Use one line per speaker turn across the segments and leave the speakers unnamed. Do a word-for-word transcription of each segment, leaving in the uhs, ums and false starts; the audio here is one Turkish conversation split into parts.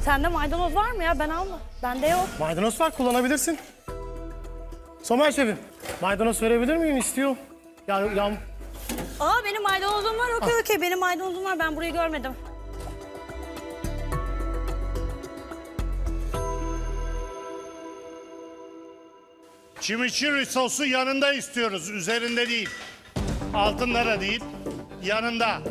Sende maydanoz var mı ya? Ben alma. Bende yok.
Maydanoz var, kullanabilirsin. Somer şefim, maydanoz verebilir miyim? İstiyor. Ya, ya
Aa benim maydanozum var. Okey okey benim maydanozum var. Ben burayı görmedim.
Chimichurri sosu yanında istiyoruz, üzerinde değil. Altında da değil, yanında.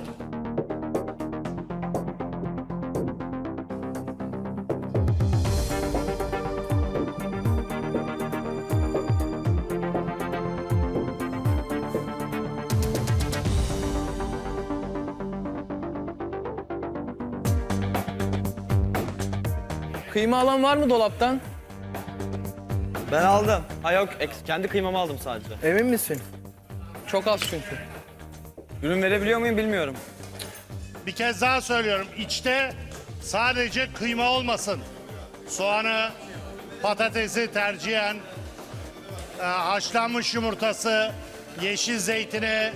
Kıyma alan var mı dolaptan?
Ben aldım. Ha yok, eks- kendi kıymamı aldım sadece.
Emin misin? Çok az çünkü.
Ürün verebiliyor muyum bilmiyorum.
Bir kez daha söylüyorum, içte sadece kıyma olmasın. Soğanı, patatesi tercihen, e, haşlanmış yumurtası, yeşil zeytini.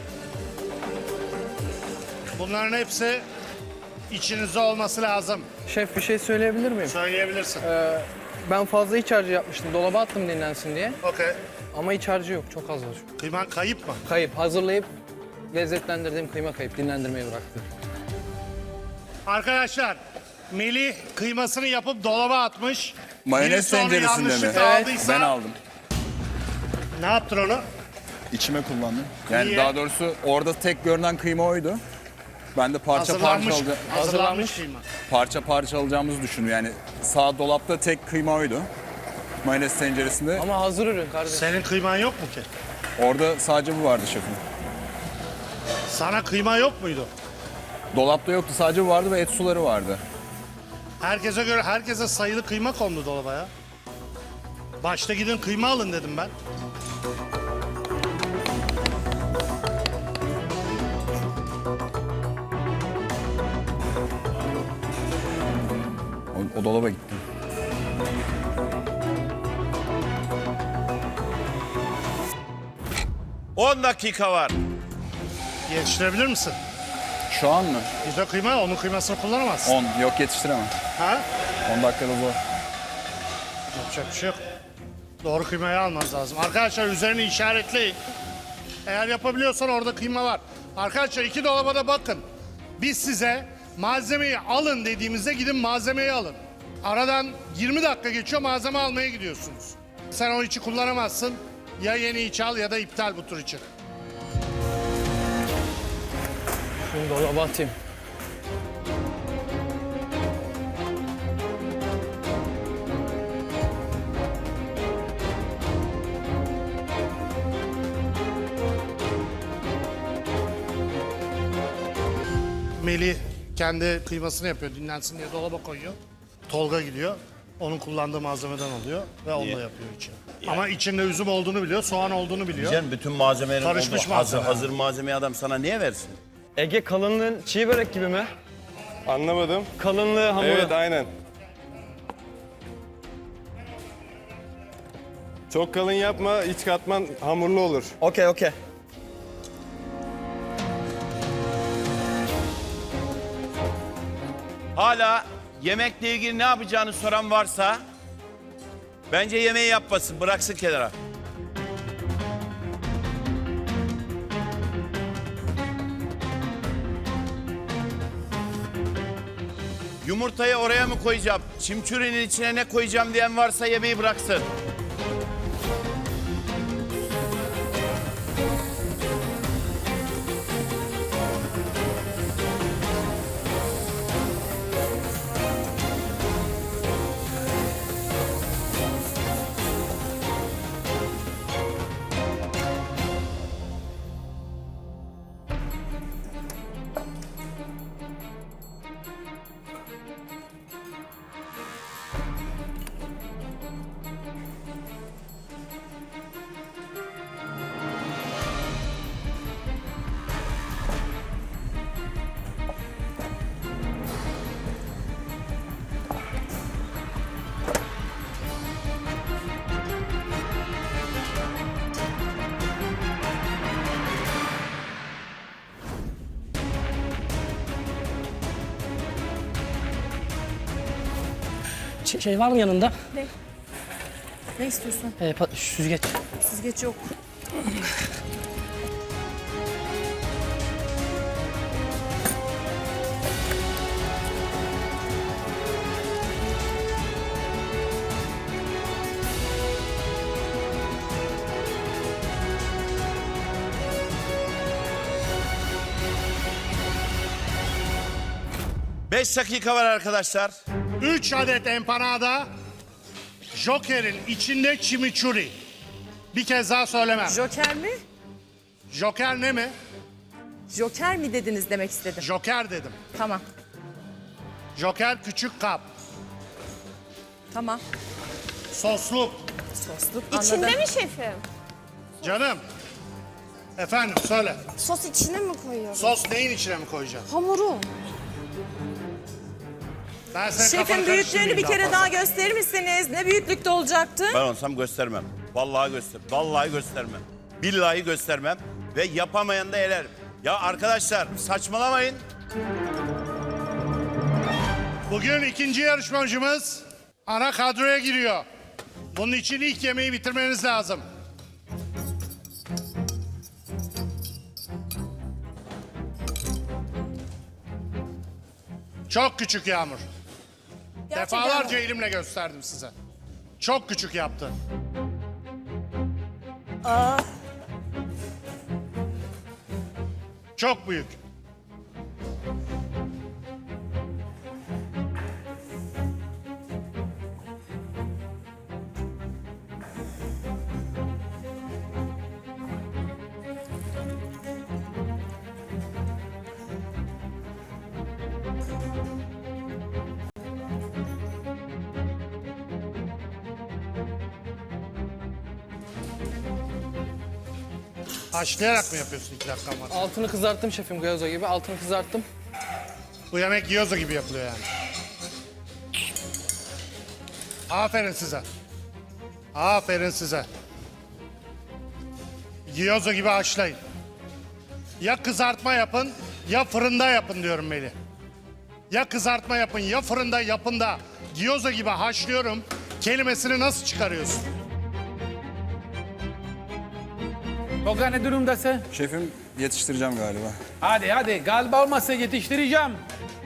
Bunların hepsi içinizde olması lazım.
Şef bir şey söyleyebilir miyim?
Söyleyebilirsin.
Ee, ben fazla iç harcı yapmıştım. Dolaba attım dinlensin diye.
Okey.
Ama iç harcı yok. Çok az var.
Kıyman kayıp mı?
Kayıp. Hazırlayıp lezzetlendirdiğim kıyma kayıp. Dinlendirmeyi bıraktım.
Arkadaşlar, Melih kıymasını yapıp dolaba atmış.
Mayonez
Birisi onu
tenceresinde mi?
yanlışlıkla
Evet,
aldıysa
Ben aldım.
ne yaptın onu?
İçime kullandım. Yani
Niye?
daha doğrusu orada tek görünen kıyma oydu. Ben de parça parça,
Hazırlanmış,
alca-
hazırlanmış kıyma.
parça parça alacağımızı düşündüm. Yani sağ dolapta tek kıyma oydu. Mayonez tenceresinde.
Ama hazır ürün kardeşim.
Senin kıyman yok mu ki?
Orada sadece bu vardı şefim.
Sana kıyma yok muydu?
Dolapta yoktu, sadece bu vardı ve et suları vardı.
Herkese göre herkese sayılı kıyma kondu dolaba ya. Başta gidin kıyma alın dedim ben.
O, o dolaba gittim.
on dakika var.
Yetiştirebilir misin?
Şu an mı?
Güzel kıyma, onun kıymasını kullanamazsın.
on. Yok, yetiştiremem.
Ha?
on dakikada zor.
Yapacak bir şey yok. Doğru kıymayı almanız lazım. Arkadaşlar üzerini işaretleyin. Eğer yapabiliyorsan orada kıyma var. Arkadaşlar iki dolaba da bakın. Biz size malzemeyi alın dediğimizde gidin malzemeyi alın. Aradan yirmi dakika geçiyor, malzeme almaya gidiyorsunuz. Sen o içi kullanamazsın. Ya yeni iç al ya da iptal bu tur için.
Şunu dolaba atayım.
Melih kendi kıymasını yapıyor, dinlensin diye dolaba koyuyor. Tolga gidiyor, onun kullandığı malzemeden alıyor ve onunla yapıyor içini. Ama içinde üzüm olduğunu biliyor, soğan olduğunu biliyor.
Canım bütün malzemelerin
Karışmış
olduğu hazır,
malzeme.
hazır malzemeyi adam sana niye versin?
Ege kalınlığın çiğ börek gibi mi?
Anlamadım.
Kalınlığı hamuru.
Evet, aynen. Çok kalın yapma, iç katman hamurlu olur.
Okey okey.
Hala yemekle ilgili ne yapacağını soran varsa bence yemeği yapmasın, bıraksın kenara. Yumurtayı oraya mı koyacağım? Çimçurinin içine ne koyacağım diyen varsa yemeği bıraksın.
Şey, şey var mı yanında?
Ne? Ne istiyorsun?
Ee, pa- süzgeç.
Süzgeç yok.
Beş dakika var arkadaşlar.
Üç adet empanada, Joker'in içinde chimichurri. Bir kez daha söylemem.
Joker mi?
Joker ne mi?
Joker mi dediniz demek istedim.
Joker dedim.
Tamam.
Joker küçük kap.
Tamam.
Sosluk.
Sosluk.
İçinde
Anladım.
mi şefim?
Canım. Efendim söyle.
Sos içine mi koyuyorsun?
Sos neyin içine mi koyacağım?
Hamuru.
Ben senin
Şefin
kafanı
büyüklüğünü bir
karıştırmayayım
kere
daha
daha
fazla.
gösterir misiniz? Ne büyüklükte olacaktı?
Ben olsam göstermem. Vallahi göster. Vallahi göstermem. Billahi göstermem. Ve yapamayan da elerim. Ya arkadaşlar saçmalamayın.
Bugün ikinci yarışmacımız ana kadroya giriyor. Bunun için ilk yemeği bitirmeniz lazım. Çok küçük Yağmur. Defalarca elimle gösterdim size. Çok küçük yaptı. Çok büyük. Haşlayarak mı yapıyorsun iki dakika var?
Altını kızarttım şefim gyoza gibi. Altını kızarttım.
Bu yemek gyoza gibi yapılıyor yani. Aferin size. Aferin size. Gyoza gibi haşlayın. Ya kızartma yapın ya fırında yapın diyorum Melih. Ya kızartma yapın ya fırında yapın da gyoza gibi haşlıyorum kelimesini nasıl çıkarıyorsun?
Tolga ne durumdasın?
Şefim yetiştireceğim galiba.
Hadi hadi galiba olmazsa yetiştireceğim.